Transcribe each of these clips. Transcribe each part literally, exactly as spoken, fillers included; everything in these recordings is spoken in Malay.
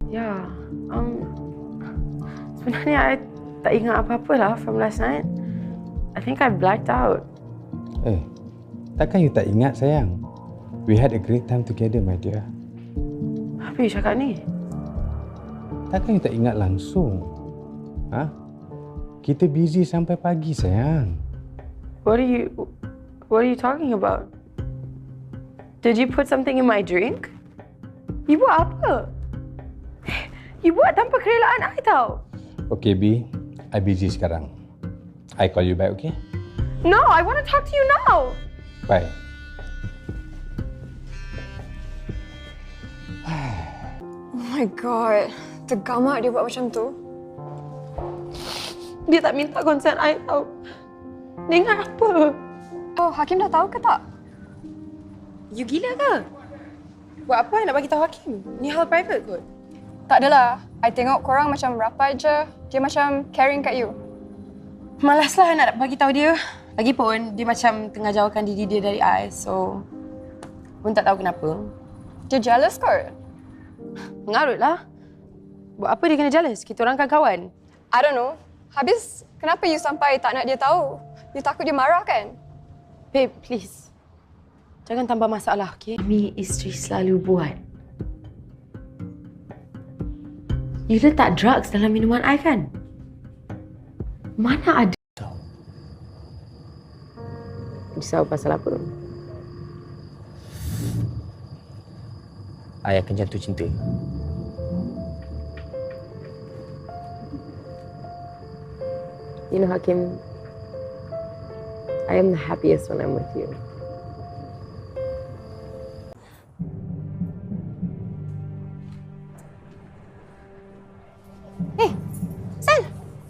Ya, um, sebenarnya I tak ingat apa-apa lah from last night. I think I blacked out. Eh, takkan you tak ingat sayang? We had a great time together, my dear. Apa you cakap ni? Takkan you tak ingat langsung? Ha? Kita busy sampai pagi, sayang. What are you, what are you talking about? Did you put something in my drink? You buat apa? You buat tanpa kerelaan I tau. Okay, B. I busy sekarang. I call you back, okay? No, I want to talk to you now. Bye. Oh my god. Tergamak dia buat macam tu. Dia tak minta consent I tau. Dia ingat apa? Oh, Hakim dah tahu ke tak? You gila ke? Buat apa I nak bagi tahu Hakim? Ni hal private kot. Tak adalah. I tengok korang macam rapat je. Dia macam caring kat you. Malaslah I nak bagi tahu dia. Lagipun dia macam tengah jauhkan diri dia dari I, so pun tak tahu kenapa. Dia jealous kot. Mengarutlah. Buat apa dia kena jealous? Kita orang kan kawan. I don't know. Habis kenapa you sampai tak nak dia tahu? You takut dia marah kan? Babe, please. Jangan tambah masalah, okey? Ini isteri selalu buat. You letak drugs dalam minuman I kan? Mana ada? Risau pasal apa? I akan jatuh cinta. You know, Hakim, I am the happiest when I'm with you. Eh, San!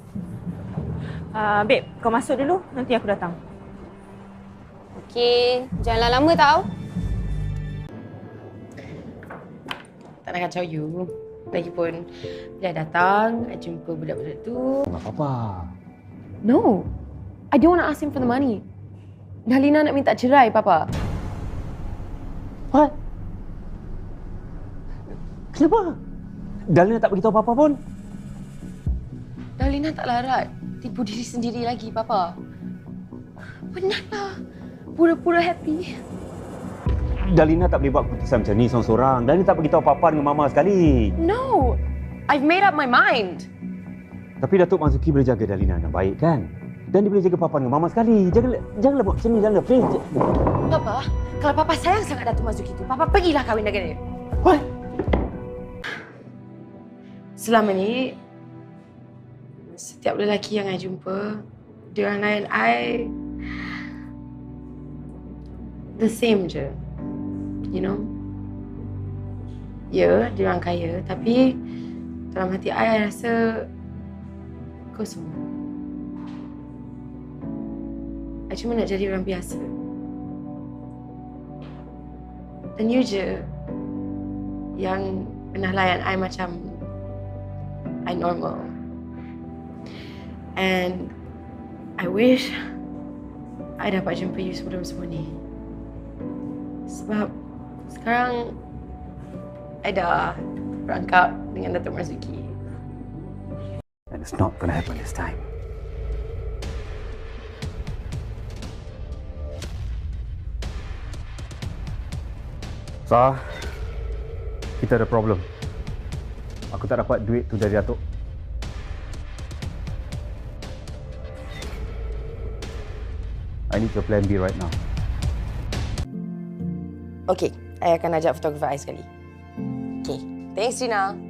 Uh, babe, kau masuk dulu. Nanti aku datang. Okey, jangan lama tau. Tak nak kacau you. Lagipun, bila I datang, I jumpa budak-budak tu. Tak apa-apa. No, I don't want to ask him for the money. Dalina nak minta cerai, Papa. What? Kenapa? Dalina tak beritahu apa-apa pun. Dalina tak larat. Tipu diri sendiri lagi, Papa. Penatlah. Pura-pura happy. Dalina tak boleh buat keputusan macam ni seorang-seorang. Dalina tak beritahu apa-apa dengan Mama sekali. No, I've made up my mind. Tapi Datuk Mazuki boleh jaga Dalina dengan baik kan? Dan dia boleh jaga Papa dengan Mama sekali. Jangan, janganlah buat macam ni, janganlah. Please. Papa, kalau Papa sayang sangat Datuk Mazuki tu, Papa pergilah kahwin dengan dia. What? Selama ni, setiap lelaki yang I jumpa, dia orang layan I the same je. You know? Ya, dia orang kaya, tapi dalam hati I, I rasa kosong. I cuma nak jadi orang biasa. Dan you je yang pernah layan I macam I normal. And I wish I dapat jumpa you sebelum semua ni. Sebab sekarang I dah berangkap dengan Datuk Marzuki. And it's not going to happen this time. Sah, kita ada problem. Aku tak dapat duit tu dari Datuk. I need your plan B right now. Okay, I akan ajak fotografer I sekali. Okay, thanks Gina.